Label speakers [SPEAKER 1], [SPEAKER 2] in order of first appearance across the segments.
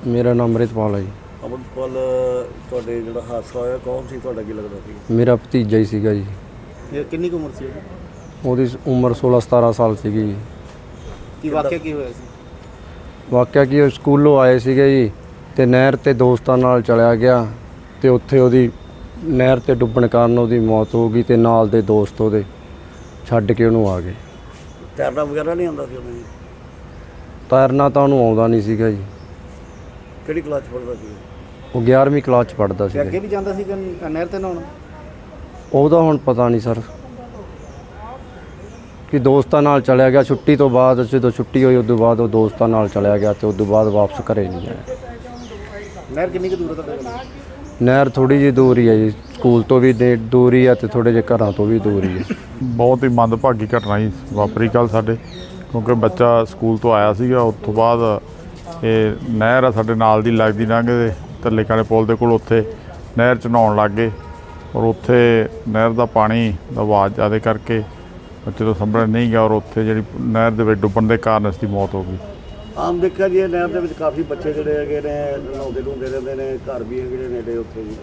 [SPEAKER 1] ਮੇਰਾ ਨਾਮ ਅੰਮ੍ਰਿਤਪਾਲ ਹੈ ਜੀ।
[SPEAKER 2] ਅੰਮ੍ਰਿਤਪਾਲ, ਤੁਹਾਡੇ ਜਿਹੜਾ ਹਾਦਸਾ ਹੋਇਆ ਕੌਣ ਸੀ, ਤੁਹਾਡਾ ਕੀ ਲੱਗਦਾ ਸੀ?
[SPEAKER 1] ਮੇਰਾ ਭਤੀਜਾ ਹੀ ਸੀਗਾ ਜੀ।
[SPEAKER 2] ਇਹ ਕਿੰਨੀ ਕੁ ਉਮਰ ਸੀ
[SPEAKER 1] ਉਹਦੀ ਉਮਰ 16-17 ਸਾਲ ਸੀਗੀ ਜੀ।
[SPEAKER 2] ਕੀ ਵਾਕਿਆ ਕੀ ਹੋਇਆ ਸੀ?
[SPEAKER 1] ਵਾਕਿਆ ਕੀ, ਉਹ ਸਕੂਲੋਂ ਆਏ ਸੀਗੇ ਜੀ ਅਤੇ ਨਹਿਰ 'ਤੇ ਦੋਸਤਾਂ ਨਾਲ ਚਲਿਆ ਗਿਆ ਅਤੇ ਉੱਥੇ ਉਹਦੀ ਨਹਿਰ 'ਤੇ ਡੁੱਬਣ ਕਾਰਨ ਉਹਦੀ ਮੌਤ ਹੋ ਗਈ ਅਤੇ ਨਾਲ ਦੇ ਦੋਸਤ ਉਹਦੇ ਛੱਡ ਕੇ ਉਹਨੂੰ ਆ ਗਏ।
[SPEAKER 2] ਤੈਰਨਾ ਵਗੈਰਾ ਨਹੀਂ ਆਉਂਦਾ ਸੀ ਉਹਨੂੰ?
[SPEAKER 1] ਤੈਰਨਾ ਤਾਂ ਉਹਨੂੰ ਆਉਂਦਾ ਨਹੀਂ ਸੀਗਾ ਜੀ।
[SPEAKER 2] ਕਿਹੜੀ ਕਲਾਸ 'ਚ ਪੜ੍ਹਦਾ ਸੀ?
[SPEAKER 1] ਉਹ 11ਵੀਂ ਕਲਾਸ 'ਚ ਪੜ੍ਹਦਾ ਸੀ।
[SPEAKER 2] ਅੱਗੇ ਵੀ ਜਾਂਦਾ ਸੀ ਨਹਿਰ 'ਤੇ ਨਹਾਉਣ?
[SPEAKER 1] ਉਹਦਾ ਹੁਣ ਪਤਾ ਨਹੀਂ ਸਰ, ਕਿ ਦੋਸਤਾਂ ਨਾਲ ਚਲਿਆ ਗਿਆ ਛੁੱਟੀ ਤੋਂ ਬਾਅਦ। ਜਦੋਂ ਛੁੱਟੀ ਹੋਈ ਉਦੋਂ ਬਾਅਦ ਉਹ ਦੋਸਤਾਂ ਨਾਲ ਚਲਿਆ ਗਿਆ ਅਤੇ ਉਦੋਂ ਬਾਅਦ ਵਾਪਸ ਘਰੇ ਨਹੀਂ ਆਇਆ।
[SPEAKER 2] ਨਹਿਰ ਕਿੰਨੀ ਕੁ ਦੂਰ ਹੈ ਤੁਹਾਡੇ ਕੋਲ?
[SPEAKER 1] ਨਹਿਰ ਥੋੜ੍ਹੀ ਜਿਹੀ ਦੂਰ ਹੀ ਹੈ ਜੀ, ਸਕੂਲ ਤੋਂ ਵੀ ਦੂਰ ਹੀ ਹੈ ਅਤੇ ਥੋੜ੍ਹੇ ਜਿਹੇ ਘਰਾਂ ਤੋਂ ਵੀ ਦੂਰ ਹੀ ਹੈ।
[SPEAKER 3] ਬਹੁਤ ਹੀ ਮੰਦਭਾਗੀ ਘਟਨਾ ਜੀ ਵਾਪਰੀ ਕੱਲ੍ਹ ਸਾਡੇ, ਕਿਉਂਕਿ ਬੱਚਾ ਸਕੂਲ ਤੋਂ ਆਇਆ ਸੀਗਾ। ਉਸ ਤੋਂ ਬਾਅਦ ਇਹ ਨਹਿਰ ਆ ਸਾਡੇ ਨਾਲ ਦੀ ਲੱਗਦੀ ਲੰਘਦੇ ਥੱਲੇ ਕਾਲੇ ਪੁਲ ਦੇ ਕੋਲ, ਉੱਥੇ ਨਹਿਰ 'ਚ ਨਹਾਉਣ ਲੱਗ ਗਏ ਔਰ ਉੱਥੇ ਨਹਿਰ ਦਾ ਪਾਣੀ ਦਾ ਵਹਾਅ ਜ਼ਿਆਦਾ ਕਰਕੇ ਬੱਚੇ ਤੋਂ ਸੰਭਲ ਨਹੀਂ ਗਿਆ ਔਰ ਉੱਥੇ ਜਿਹੜੀ ਨਹਿਰ ਦੇ ਵਿੱਚ ਡੁੱਬਣ ਦੇ ਕਾਰਨ ਇਸ ਦੀ ਮੌਤ ਹੋ ਗਈ।
[SPEAKER 2] ਆਮ ਦੇਖਿਆ ਜੀ ਨਹਿਰ ਦੇ ਵਿੱਚ ਕਾਫੀ ਬੱਚੇ ਜਿਹੜੇ ਹੈਗੇ ਨੇ ਨਹਾਉਂਦੇ ਧੋਂਦੇ ਰਹਿੰਦੇ ਨੇ, ਘਰ ਵੀ ਹੈਗੇ ਨੇ ਨੇੜੇ ਉੱਥੇ ਜੀ।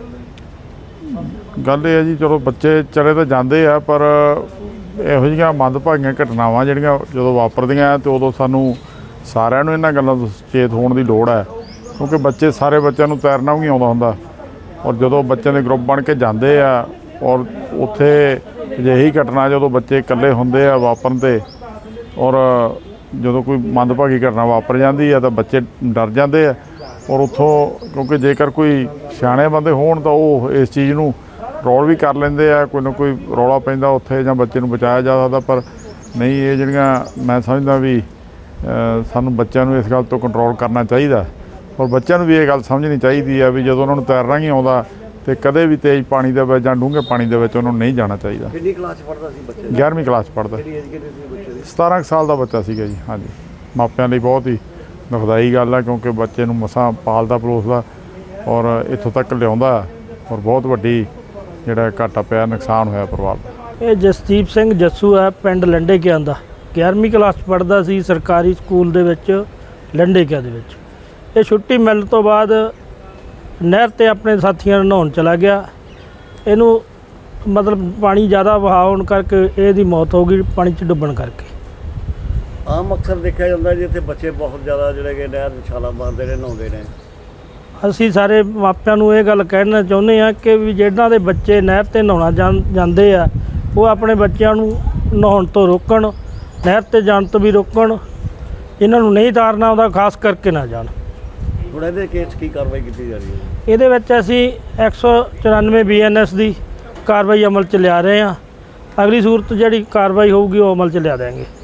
[SPEAKER 3] ਗੱਲ ਇਹ ਹੈ ਜੀ, ਚਲੋ ਬੱਚੇ ਚਲੇ ਤਾਂ ਜਾਂਦੇ ਆ, ਪਰ ਇਹੋ ਜਿਹੀਆਂ ਮੰਦਭਾਗੀਆਂ ਘਟਨਾਵਾਂ ਜਿਹੜੀਆਂ ਜਦੋਂ ਵਾਪਰਦੀਆਂ ਅਤੇ ਉਦੋਂ ਸਾਨੂੰ ਸਾਰਿਆਂ ਨੂੰ ਇਹਨਾਂ ਗੱਲਾਂ ਤੋਂ ਸੁਚੇਤ ਹੋਣ ਦੀ ਲੋੜ ਹੈ, ਕਿਉਂਕਿ ਬੱਚੇ ਸਾਰੇ ਬੱਚਿਆਂ ਨੂੰ ਤੈਰਨਾ ਵੀ ਨਹੀਂ ਆਉਂਦਾ ਹੁੰਦਾ ਔਰ ਜਦੋਂ ਬੱਚਿਆਂ ਦੇ ਗਰੁੱਪ ਬਣ ਕੇ ਜਾਂਦੇ ਆ ਔਰ ਉੱਥੇ ਅਜਿਹੀ ਘਟਨਾ ਜਦੋਂ ਬੱਚੇ ਇਕੱਲੇ ਹੁੰਦੇ ਆ ਵਾਪਰਨ 'ਤੇ ਔਰ ਜਦੋਂ ਕੋਈ ਮੰਦਭਾਗੀ ਘਟਨਾ ਵਾਪਰ ਜਾਂਦੀ ਆ ਤਾਂ ਬੱਚੇ ਡਰ ਜਾਂਦੇ ਆ ਔਰ ਉੱਥੋਂ, ਕਿਉਂਕਿ ਜੇਕਰ ਕੋਈ ਸਿਆਣੇ ਬੰਦੇ ਹੋਣ ਤਾਂ ਉਹ ਇਸ ਚੀਜ਼ ਨੂੰ ਰੋਲ ਵੀ ਕਰ ਲੈਂਦੇ ਆ, ਕੋਈ ਨਾ ਕੋਈ ਰੌਲਾ ਪੈਂਦਾ ਉੱਥੇ ਜਾਂ ਬੱਚੇ ਨੂੰ ਬਚਾਇਆ ਜਾ ਸਕਦਾ। ਪਰ ਨਹੀਂ, ਇਹ ਜਿਹੜੀਆਂ ਮੈਂ ਸਮਝਦਾ ਵੀ ਸਾਨੂੰ ਬੱਚਿਆਂ ਨੂੰ ਇਸ ਗੱਲ ਤੋਂ ਕੰਟਰੋਲ ਕਰਨਾ ਚਾਹੀਦਾ ਔਰ ਬੱਚਿਆਂ ਨੂੰ ਵੀ ਇਹ ਗੱਲ ਸਮਝਣੀ ਚਾਹੀਦੀ ਆ ਵੀ ਜਦੋਂ ਉਹਨਾਂ ਨੂੰ ਤੈਰਨਾ ਨਹੀਂ ਆਉਂਦਾ ਅਤੇ ਕਦੇ ਵੀ ਤੇਜ਼ ਪਾਣੀ ਦੇ ਵਿੱਚ ਜਾਂ ਡੂੰਘੇ ਪਾਣੀ ਦੇ ਵਿੱਚ ਉਹਨਾਂ ਨੂੰ ਨਹੀਂ ਜਾਣਾ ਚਾਹੀਦਾ।
[SPEAKER 2] ਕਿੰਨੀ ਕਲਾਸ 'ਚ ਪੜ੍ਹਦਾ ਸੀ ਬੱਚਾ?
[SPEAKER 3] 11ਵੀਂ ਕਲਾਸ 'ਚ ਪੜ੍ਹਦਾ।
[SPEAKER 2] ਕਿਹੜੀ ਏਜ ਕਿੰਨੀ ਸੀ ਬੱਚੇ ਦੀ?
[SPEAKER 3] 17 ਸਾਲ ਦਾ ਬੱਚਾ ਸੀਗਾ ਜੀ। ਹਾਂਜੀ, ਮਾਪਿਆਂ ਲਈ ਬਹੁਤ ਹੀ ਦੁਖਦਾਈ ਗੱਲ ਆ, ਕਿਉਂਕਿ ਬੱਚੇ ਨੂੰ ਮਸਾਂ ਪਾਲਦਾ ਪਲੋਸਦਾ ਔਰ ਇੱਥੋਂ ਤੱਕ ਲਿਆਉਂਦਾ ਔਰ ਬਹੁਤ ਵੱਡੀ ਜਿਹੜਾ ਘਾਟਾ ਪਿਆ, ਨੁਕਸਾਨ ਹੋਇਆ ਪਰਿਵਾਰ ਦਾ।
[SPEAKER 4] ਇਹ ਜਸਦੀਪ ਸਿੰਘ ਜੱਸੂ ਹੈ, ਪਿੰਡ ਲੰਡੇ ਕਿਆਂ ਦਾ। 11ਵੀਂ ਕਲਾਸ 'ਚ ਪੜ੍ਹਦਾ ਸੀ ਸਰਕਾਰੀ ਸਕੂਲ ਦੇ ਵਿੱਚ ਲੰਡੇ ਕਿਆਂ ਦੇ ਵਿੱਚ। ਇਹ ਛੁੱਟੀ ਮਿਲਣ ਤੋਂ ਬਾਅਦ ਨਹਿਰ 'ਤੇ ਆਪਣੇ ਸਾਥੀਆਂ ਨਾਲ ਨਹਾਉਣ ਚਲਾ ਗਿਆ। ਇਹਨੂੰ ਮਤਲਬ ਪਾਣੀ ਜ਼ਿਆਦਾ ਵਹਾਅ ਹੋਣ ਕਰਕੇ ਇਹਦੀ ਮੌਤ ਹੋ ਗਈ, ਪਾਣੀ 'ਚ ਡੁੱਬਣ ਕਰਕੇ।
[SPEAKER 2] ਆਮ ਅਕਸਰ ਦੇਖਿਆ ਜਾਂਦਾ ਜੀ ਇੱਥੇ ਬੱਚੇ ਬਹੁਤ ਜ਼ਿਆਦਾ ਜਿਹੜੇ ਕਿ ਨਹਿਰ ਵਿੱਚ ਛਾਲਾਂ ਮਾਰਦੇ ਨੇ, ਨਹਾਉਂਦੇ ਨੇ।
[SPEAKER 4] ਅਸੀਂ ਸਾਰੇ ਮਾਪਿਆਂ ਨੂੰ ਇਹ ਗੱਲ ਕਹਿਣਾ ਚਾਹੁੰਦੇ ਹਾਂ ਕਿ ਵੀ ਜਿਹਨਾਂ ਦੇ ਬੱਚੇ ਨਹਿਰ 'ਤੇ ਨਹਾਉਣਾ ਜਾਂਦੇ ਆ, ਉਹ ਆਪਣੇ ਬੱਚਿਆਂ ਨੂੰ ਨਹਾਉਣ ਤੋਂ ਰੋਕਣ, ਨਹਿਰ 'ਤੇ ਜਾਣ ਤੋਂ ਵੀ ਰੋਕਣ। ਇਹਨਾਂ ਨੂੰ ਨਹੀਂ ਤਾਰਨਾ ਆਉਂਦਾ ਖਾਸ ਕਰਕੇ ਨਾ ਜਾਣ।
[SPEAKER 2] ਹੁਣ ਇਹਦੇ ਕੇਸ ਕੀ ਕਾਰਵਾਈ ਕੀਤੀ ਜਾ ਰਹੀ ਹੈ?
[SPEAKER 4] ਇਹਦੇ ਵਿੱਚ ਅਸੀਂ 194 BNS ਦੀ ਕਾਰਵਾਈ ਅਮਲ 'ਚ ਲਿਆ ਰਹੇ ਹਾਂ। ਅਗਲੀ ਸੂਰਤ ਜਿਹੜੀ ਕਾਰਵਾਈ ਹੋਊਗੀ ਉਹ ਅਮਲ 'ਚ ਲਿਆ ਦੇਵਾਂਗੇ।